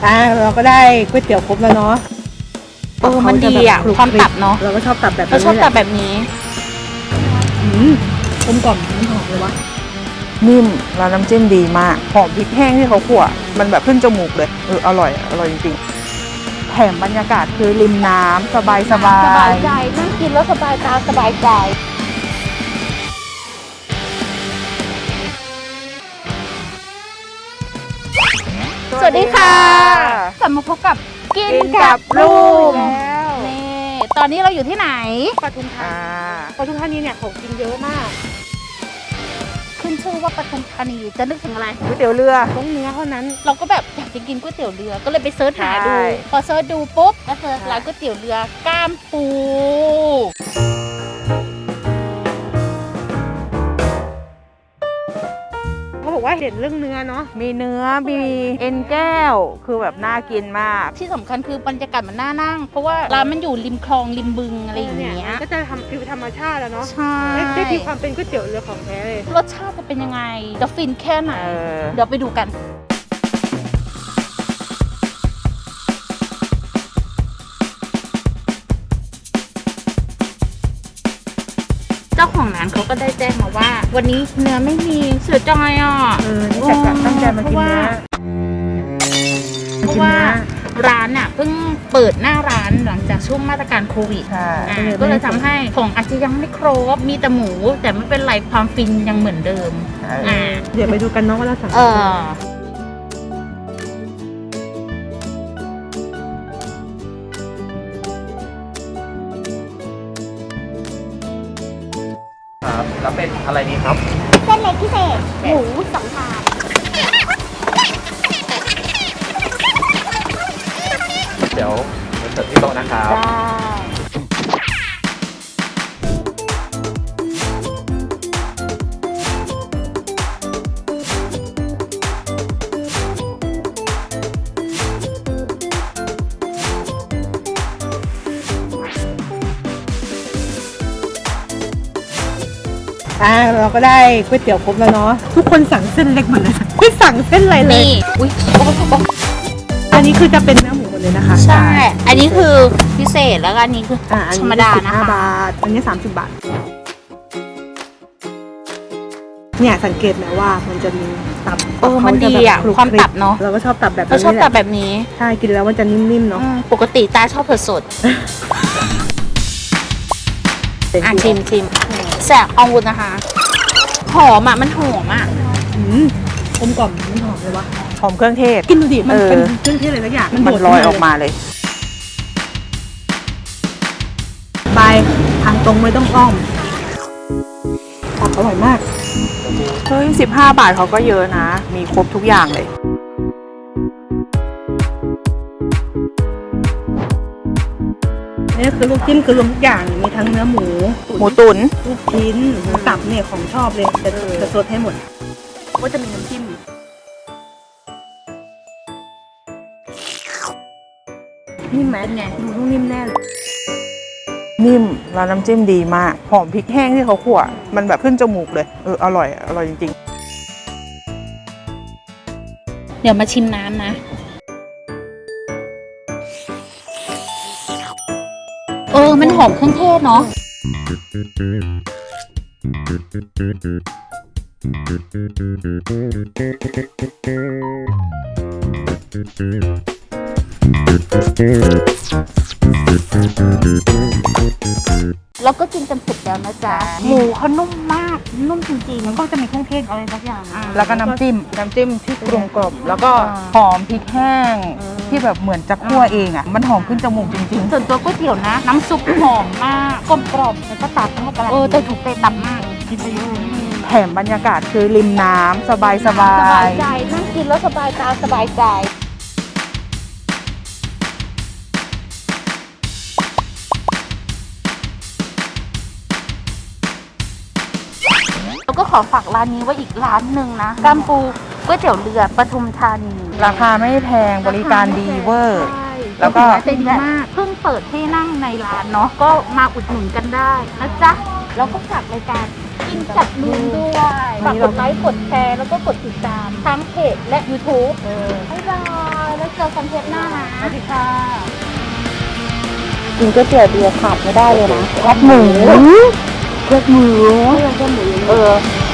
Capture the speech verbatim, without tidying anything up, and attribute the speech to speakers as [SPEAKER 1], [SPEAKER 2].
[SPEAKER 1] อ่ะเราก็ได้ก๋วยเตี๋ยวครบแล้วเนาะ
[SPEAKER 2] เออมันดีอ่ะความตับเนาะ
[SPEAKER 1] เราก็ชอบตับแบบนี้
[SPEAKER 2] เราชอบตับแบบนี้
[SPEAKER 1] อืมกลมกล่อมมันหอมเลยวะ
[SPEAKER 3] นิ่มแล้วน้ำจิ้มดีมากหอมพริกแห้งที่เขาคั่วมันแบบขึ้นจมูกเลยเอออร่อยอร่อยจริงๆแถมบรรยากาศคือริมน้ำสบายสบาย
[SPEAKER 2] สบายใจนั่งกินแล้วสบายตาสบายใจสวัสดีค่ะกลับมาพบกับกินกับลูกแล้วนี่ตอนนี้เราอยู่ที่ไหน
[SPEAKER 1] ปทุมธานีปทุมธานีเนี่ยของกินเยอะมาก
[SPEAKER 2] ขึ้นชื่อว่าปทุมธานีจะนึกถึงอะไร
[SPEAKER 3] ก๋วยเตี๋ยวเรือ
[SPEAKER 1] ต้องเนื้อเท่านั้น
[SPEAKER 2] เราก็แบบอยากจะกินก๋วยเตี๋ยวเรือก็เลยไปเซิร์ชหาดูพอเซิร์ชดูปุ๊บก็เซิร์ชร้านก๋วยเตี๋ยวเรือก้ามปู
[SPEAKER 1] เขาบอกว่าเห็นเรื่องเนื้อเนาะ
[SPEAKER 3] มีเนื้อมีเอ็นแก้วคือแบบน่ากินมาก
[SPEAKER 2] ที่สำคัญคือบรรยากาศมันน่านั่งเพราะว่าร้านมันอยู่ริมคลองริมบึงอะไรอย่างเงี้ย
[SPEAKER 1] ก็จะทำฟิวธรรมชาติแล้วเนาะ
[SPEAKER 2] ใช่
[SPEAKER 1] ได้ที่ความเป็นก๋วยเตี๋ยวเรือของแท้เลย
[SPEAKER 2] รสชาติจะเป็นยังไงจะฟินแค่ไหนเดี๋ยวไปดูกันเจ้าของร้านเขาก็ได้แจ้งมาว่าวันนี้เนื้อไม่มีเสียใจอ่ะ
[SPEAKER 1] เออนี่แต่ตั้งใจมากินเนื้อ
[SPEAKER 2] เพราะว่าร้านน่ะเพิ่งเปิดหน้าร้านหลังจากช่วงมาตรการโควิดก็เลยทำให้ของอาจจะยังไม่ครบมีแต่หมูแต่ไม่เป็นไรความฟินยังเหมือนเดิม
[SPEAKER 1] เดี๋ยวไปดูกันเนาะว่าเราสั่ง
[SPEAKER 4] ครับแล้วเป็นอะไรดีครับ
[SPEAKER 5] เส้นเล็กพิเศษหมูสองชาม
[SPEAKER 4] เดี๋ยวเสิร์ฟที่โต๊ะนะครับ
[SPEAKER 1] อ่ะเราก็ได้ก๋วยเตี๋ยวครบแล้วเนาะทุกคนสั่งเส้นเล็กหมดเลยไม่สั่งเส้นอะไรเลย
[SPEAKER 2] อุ้ย
[SPEAKER 1] อันนี้คือจะเป็นเนื้อหมูหมดเลยนะคะ
[SPEAKER 2] ใช่อันนี้คือพิเศษแล้วอันนี้คือธรรมดานะคะ
[SPEAKER 1] บาทอันนี้สามสิบบาทเนี่ยสังเกตไหมว่ามันจะมีตับ
[SPEAKER 2] เออมันดีอ่ะความตับเนาะ
[SPEAKER 1] เราก็ชอบตับแบบนี้
[SPEAKER 2] เราชอบตับแบบนี้
[SPEAKER 1] ใช่กินแล้วมันจะนิ่มๆเนาะ
[SPEAKER 2] ปกติตาชอบเผ็ดสดอ่ะชิมชิมแสบอาวุธนะคะหอมอ่ะมันหอมอ่ะ
[SPEAKER 1] กลมกล่อมมันหอมเลยวะ
[SPEAKER 3] หอมเครื่องเทศ
[SPEAKER 1] กินดูดิมันเป็นเครื่องเทศอะไรสักอย่าง
[SPEAKER 3] มันลอยออกมาเลย
[SPEAKER 1] ไปทางตรงไม่ต้องอ้อมตับอร่อยมาก
[SPEAKER 3] เฮ้ยสิบห้าบาทเขาก็เยอะนะมีครบทุกอย่างเลย
[SPEAKER 1] นี่คือลูกจิ้มคือรวมทุกอย่างมีทั้งเนื้อหมู
[SPEAKER 3] หมูตุ๋น
[SPEAKER 1] ลูกชิ้นหมูตับเนี่ยของชอบเลยจะจะสดให้หมดก็จะมีน้ำจิ้มนิ่มไหมไงดูต้องนิ่มแน่เลย
[SPEAKER 3] นิ่มแล้วน้ำจิ้มดีมากหอมพริกแห้งที่เขาคั่วมันแบบขึ้นจมูกเลยเอออร่อยอร่อยจริง
[SPEAKER 2] ๆเดี๋ยวมาชิมน้ำนะเออมันหอมเครื่องเทศเนาะแล้วก็กินกันเสร็จแล้วนะจ๊ะหมูเขานุ่มมากนุ่มจริงๆมันก็จะมีเครื่องเทศอะไรสักอย่าง
[SPEAKER 3] แล้วก็น้ำจิ้มน้ำจิ้มที่กรุงกรอบแล้วก็หอมพริกแห้งที่แบบเหมือนจะคั่วเองอ่ะมันหอมขึ้นจมูกจริง
[SPEAKER 2] ๆส่วนตัวก๋วยเตี๋ยวนะน้ำซุปหอมมากกลมกล่อมแล้วก็ตัดเข้ากันเออแต่ถูกเตะตับมากกินไปเยอะ
[SPEAKER 3] แถมบรรยากาศคือริมน้ำสบายสบาย
[SPEAKER 2] สบายใจนั่งกินแล้วสบายตาสบายใจแล้วก็ขอฝากร้านนี้ไว้อีกร้านหนึ่งนะกัมปูก๋วยเตี๋ยวเรือปทุมธานี
[SPEAKER 3] ราคาไม่แพงบริการดีเวอร์แล้วก็
[SPEAKER 2] เป็นมากเพิ่งเปิดให้นั่งในร้านเนาะก็มาอุดหนุนกันได้นะจ๊ะแล้วก็ฝากรายการกินจัดลุงด้วยฝากกดไลค์กดแชร์แล้วก็กดติดตามทั้งเพจและ YouTube บ๊ายบายแล้วเจอกันเทปหน้านะสวัสดีค่ะ
[SPEAKER 3] กินก๋วยเตี๋ยวเบียร์ขาดไม่ได้เลยนะแคบหมูแคบหมูเออ